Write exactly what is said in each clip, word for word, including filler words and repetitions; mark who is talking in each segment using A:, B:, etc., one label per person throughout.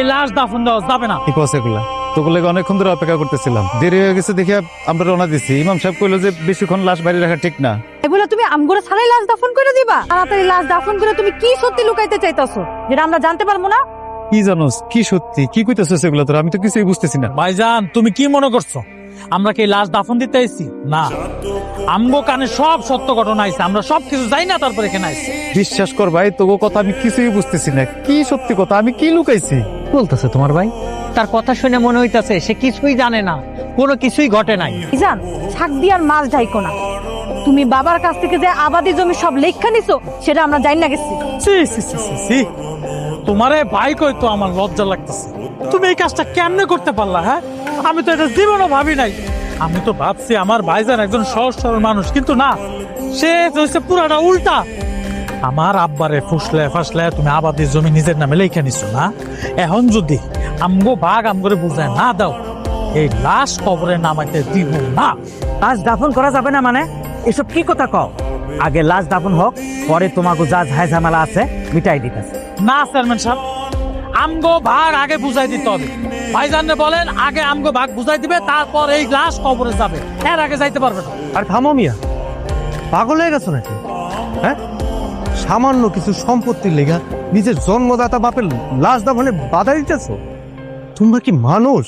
A: এই লাশ দাফন দেওয়া যাবে না।
B: কি কস এগুলা? তোগুলো অনেকক্ষণ ধরে অপেক্ষা করতেছিলাম, দেরি হয়ে গেছে দেখে আমরা রওনা দিছি। ইমাম সাহেব কইলো যে বেশিক্ষণ লাশ বাইরে রাখা ঠিক না।
C: এগুলা তুমি আমগোরা ছাড়াই লাশ দাফন করে দিবা? তাড়াতাড়ি লাশ দাফন করে তুমি কি সত্যি লুকাইতে চাইতাছো যেটা আমরা জানতে পারবো না?
B: কি জানোস কি সত্যি কি কইতেছস এগুলা তোর? আমি তো কিছুই বুঝতেছি না।
A: ভাইজান তুমি কি মনে করছো আমরা কি লাশ দাফন দিতে আইছি? না, আমগো কানে সব সত্য ঘটনা আইছে, আমরা সব কিছু জানি না তারপর এখানে আইছি।
B: বিশ্বাস কর ভাই, তোগো কথা আমি কিছুই বুঝতেছি না। কি সত্যি কথা? আমি কি লুকাইছি?
D: বলতেছে তোমার ভাই? তার কথা শুনে মনে হইতাছে সে কিছুই জানে না, কোনো কিছুই ঘটে নাই।
C: জান ছাক দিয়ার মাছ ঢাইকো না। তুমি বাবার কাছ থেকে যে আবাদি জমি সব লেখা নিছো সেটা আমরা জানি না গেছি।
A: সি সি সি সি সি তোমারে ভাই কই তো আমার লজ্জা লাগতেছে। তুমি এই কাজটা কেমনে করতে পারলা? হ্যাঁ, আমি তো এটা জীবনও ভাবি নাই। আমি তো ভাবছি আমার ভাইজান একজন সহজ সরল মানুষ, কিন্তু না, সে হচ্ছে পুরাটা উল্টা। আমার আব্বারে ফুসলে ফাসলে তুমি আবাদি জমি নিজের নামে লেখা নিছো না। এখন যদি আমগো ভাগ আমগরে বুঝায় না দাও, এই লাশ কবরে নামাইতে দিব না।
D: লাশ দাফন করা যাবে না মানে? এসব কি কথা কও? আগে লাশ দাফন হোক, পরে তোমাকে যা ঝাই ঝামেলা আছে মিটাই দিতেছে।
A: না চেয়ারম্যান সাহেব, আমগো ভাগ আগে বুঝাই দিতে হবে। ভাইজানরে বলেন আগে আমগো ভাগ বুঝাই দিবে, তারপর এই লাশ কবরে যাবে, এর আগে যাইতে পারবে না।
E: আর থামো মিয়া, পাগল হয়ে গেছো নাকি? হ্যাঁ, সামান্য কিছু সম্পত্তির লেগা নিজের জন্মদাতা বাপের লাশ দাফনে বাধা দিতেছো? তোমরা কি মানুষ?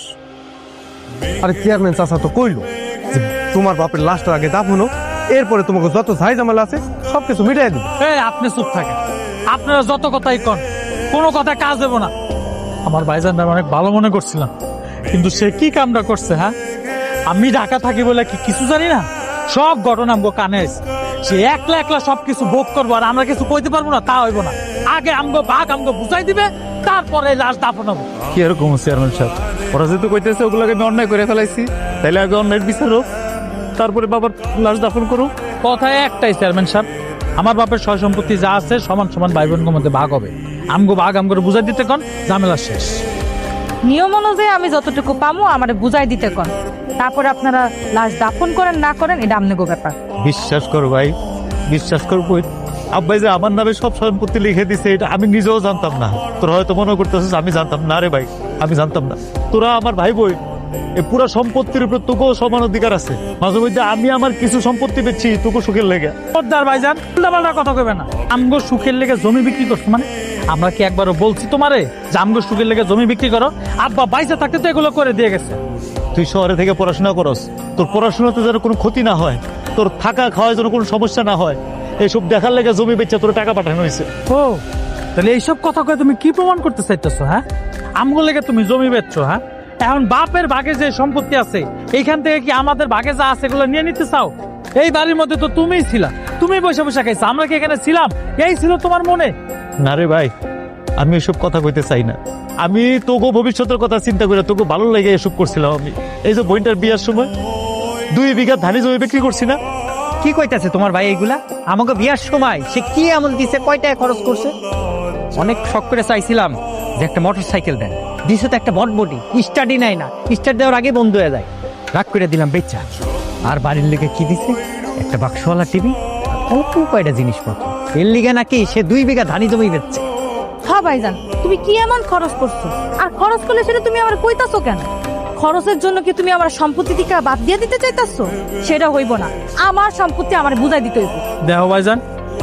E: আরে চেয়ারম্যান চাচা তো কইলো যে তোমার বাপের লাশটা আগে দাফনো, এরপরে তোমাকে যত ঝাই ঝামেলা আছে সবকিছু মিটাই দিবে।
A: এই আপনি চুপ থাকেন, আপনারা যত কথাই কন, কোনো কথা কাজ দেবো না। আমার ভাইজানরা অনেক ভালো মনে করছিলাম, কিন্তু সে কি কামটা করছে? হ্যাঁ, আমি ঢাকা থাকি বলে কি কিছু জানি না? সব ঘটনা আমগো কানে আছে। সে একলা একলা সবকিছু ভোগ করবো আর আমরা কিছু কইতে পারবো না, তা হইব না। আগে আমগো ভাগ আমগো বুঝাই দিবে, তারপরে লাশ দাফন হবে।
B: কি এরকম চেয়ারম্যান সাহেব? ওরা যেহেতু কইতেছে ওগুলোকে আমি অন্যায় করে ফেলাইছি, তাইলে আগে অন্যায়ের বিচার হোক, তারপরে বাবার লাশ দাফন করো।
A: কথায় একটাই চেয়ারম্যান সাহেব, আমার বাপের সয় সম্পত্তি যা আছে সমান সমান ভাই বোনের মধ্যে ভাগ হবে। আমগো ভাগ আমগো বুঝাই দিতে কন, ঝামেলা শেষ।
C: নিয়ম অনুযায়ী আমি যতটুকু পামো আমারে বুঝাই দিতে কন, তারপরে আপনারা লাশ দাফন করেন না করেন এটা আমনেগো ব্যাপার।
B: বিশ্বাস কর ভাই, বিশ্বাস কর বই, আব্বাই যে আমার নামে সব সম্পত্তি লিখে দিছে এটা আমি নিজেও জানতাম না। তোরা হয়তো মনে করতেছিস আমি জানতাম না। রে ভাই, আমি জানতাম না। তোরা আমার ভাই বই, এই পুরো সম্পত্তির উপর তোকেও সমান অধিকার আছে। মাঝে মধ্যে আমি আমার কিছু সম্পত্তি বেচছি তোকে সুখের লেগে।
A: পদ্মার ভাইজান উল্টাপাল্টা কথা কইবে না। আমগো সুখের লেগে জমি বিক্রি করছো মানে? আমরা কি একবারও বলছি তোমারে যে আমগো সুখের লেগে জমি বিক্রি করো? আব্বা বাইসা থাকতে তো এগুলো করে দিয়ে গেছে।
B: তুই শহরে থেকে পড়াশোনা করস, তোর পড়াশোনাতে যেন কোনো ক্ষতি না হয়, তোর থাকা খাওয়ায় যেন কোনো সমস্যা না হয়, এইসব দেখার লেগে জমি বেচা তোর টাকা পাঠানো হয়েছে।
A: ও তাহলে এইসব কথা কয়ে তুমি কি প্রমাণ করতে চাইতেছো? হ্যাঁ, আমগো লেগে তুমি জমি বেচছো? হ্যাঁ, এখন বাপের ভাগে যে সম্পত্তি আছে এইখান থেকে কি আমাদের ভাগে যা আছে এগুলো নিয়ে নিতে চাও? এই বাড়ির মধ্যে তো তুমিই ছিলা, তুমি বসে বসে খাইছো, আমরা কি এখানে ছিলাম? এই ছিল তোমার মনে?
B: না রে ভাই, আমি এসব কথা কইতে চাই না। আমি তোকে ভবিষ্যতের কথা চিন্তা করে তোকে ভালো লেগে এসব করছিলাম। আমি এই যে বইটার বিয়ার সময় দুই বিঘা ধানি জমি বিক্রি করছি না।
D: কি কইতাছে তোমার ভাই এগুলা? আমাকে বিয়ার সময় সে কি আমল দিছে, কয় টাকা খরচ করছে? অনেক শখ করে চাইছিলাম যে একটা মোটর সাইকেল দেন, দিছে তো একটা বটবটি, স্টার্টই নাই না, স্টার্ট দেওয়ার আগে বন্ধ হয়ে যায়। রাগ করে দিলাম বেচা। আর বাড়ির লেগে কি দিছে? একটা বাক্সওয়ালা টিভি, অল্প কয়টা জিনিসপত্র। এর লিগে নাকি সে দুই বিঘা ধানি জমি বেচছে।
C: হ্যাঁ ভাইজান, তুমি কি এমন খরচ করছো? আর খরচ করলে সেটা তুমি আমার কইতাছো কেন? খরচের জন্য কি তুমি আমার সম্পত্তি থেকে বাদ দিয়ে দিতে চাইতাছো? সেটা হইব না, আমার সম্পত্তি আমার বুঝাই দিতে হইব।
A: দেখো ভাইজান,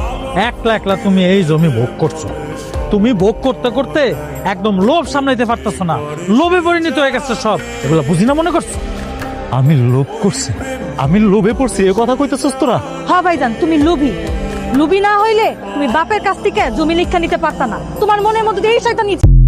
A: একলা একলা তুমি এই জমি ভোগ করছো। তুমি ভোগ করতে করতে একদম লোভ সামলাইতে পারতেছো না, লোভে পরিণত হয়ে গেছে সব। এগুলো বুঝি না মনে করছো?
B: আমি লোভ করছি, আমি লোভে পড়ছি, এ কথা কইতেছস তোরা?
C: হ্যাঁ ভাইজান, তুমি লোভী। লোভী না হইলে তুমি বাপের কাছ থেকে জমি লিখা নিতে পারতা না। তোমার মনের মধ্যে এই শয়তানি